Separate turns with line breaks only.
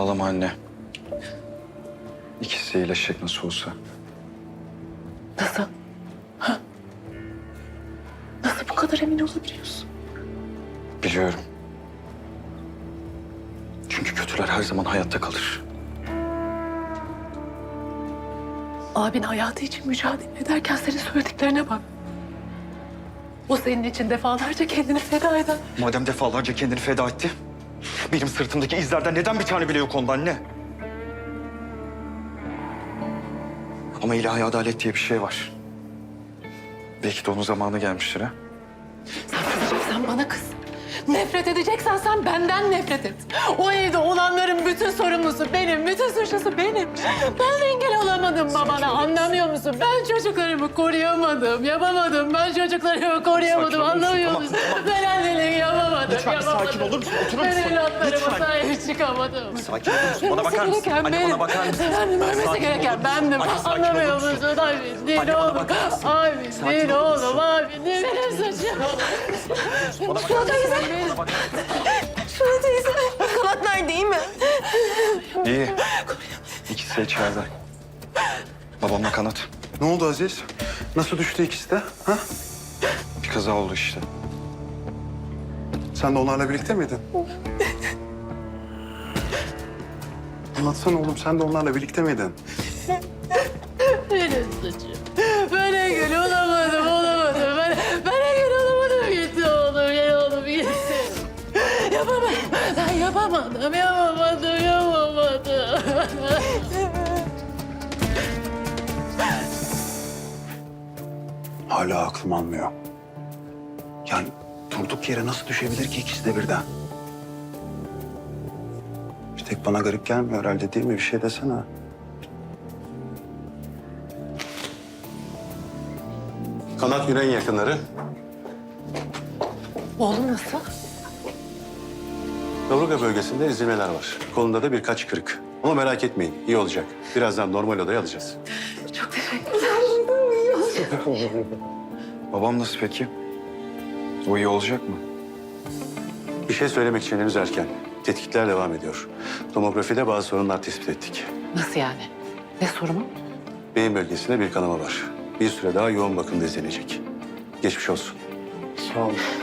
Ağlama anne. İkisi de iyileşecek nasıl olsa.
Nasıl? Ha? Nasıl bu kadar emin olabiliyorsun?
Biliyorum. Çünkü kötüler her zaman hayatta kalır.
Abin hayatı için mücadele ederken senin söylediklerine bak. O senin için defalarca kendini feda eden.
Madem defalarca kendini feda etti, benim sırtımdaki izlerden neden bir tane bile yok onda anne? Ama ilahi adalet diye bir şey var. Belki de onun zamanı gelmiştir ha.
Sen kızacaksan bana kız. Nefret edeceksen sen benden nefret et. O evde olanların bütün sorumlusu benim, bütün suçlusu benim. Ben engel olamadım babana, anlamıyor musun? Ben çocuklarımı koruyamadım, yapamadım. Ben çocuklarımı koruyamadım,
Sakin olur musun?
anlamıyor
Tamam,
musun?
tamam.
Ben anneliği yapamadım,
Lütfen bir
yapamadım.
sakin olur musun? Oturur
Ben
musun?
evlatlarıma
Lütfen.
sahip çıkamadım.
Sakin olur musun? Bana bakar mısın?
Gereken
Anne
benim.
bana bakar mısın?
Annem ölmesi
Sakin
gereken
olur musun?
bendim.
Anne, sakin
Anlamıyor
olur musun?
musun? Abi değil
Anne, bana
oğlum.
bakar mısın?
Abi
Sakin
değil
olur musun?
oğlum. Abi değil benim suçum.
Bana bakar mısın? Bana bakar mısın?
Şuna teyze. Kanat nerede, iyi mi?
İyi. İkisi de içeride. Babamla Kanat.
Ne oldu Aziz? Nasıl düştü ikisi de? Ha?
Bir kaza oldu işte.
Sen de onlarla birlikte miydin? Anlatsana oğlum, sen de onlarla birlikte miydin?
Benim suçum. Ben engel olamadım. Ben engel olamadım. Gitti oğlum. Gel oğlum gitti. Yapamadım. Ben yapamadım.
Hala aklım almıyor. Yani durduk yere nasıl düşebilir ki ikisi de birden? Bir tek bana garip gelmiyor herhalde, değil mi? Bir şey desene.
Kanat Güney'in yakınları.
Oğlum nasıl?
Kaburga bölgesinde ezilmeler var. Kolunda da birkaç kırık. Ama merak etmeyin, iyi olacak. Birazdan normal odaya alacağız.
Çok teşekkürler.
Babam nasıl peki? O iyi olacak mı?
Bir şey söylemek için henüz erken. Tetkikler devam ediyor. Tomografide bazı sorunlar tespit ettik.
Nasıl yani? Ne sorunu?
Beyin bölgesinde bir kanama var. Bir süre daha yoğun bakımda izlenecek. Geçmiş olsun.
Sağ ol.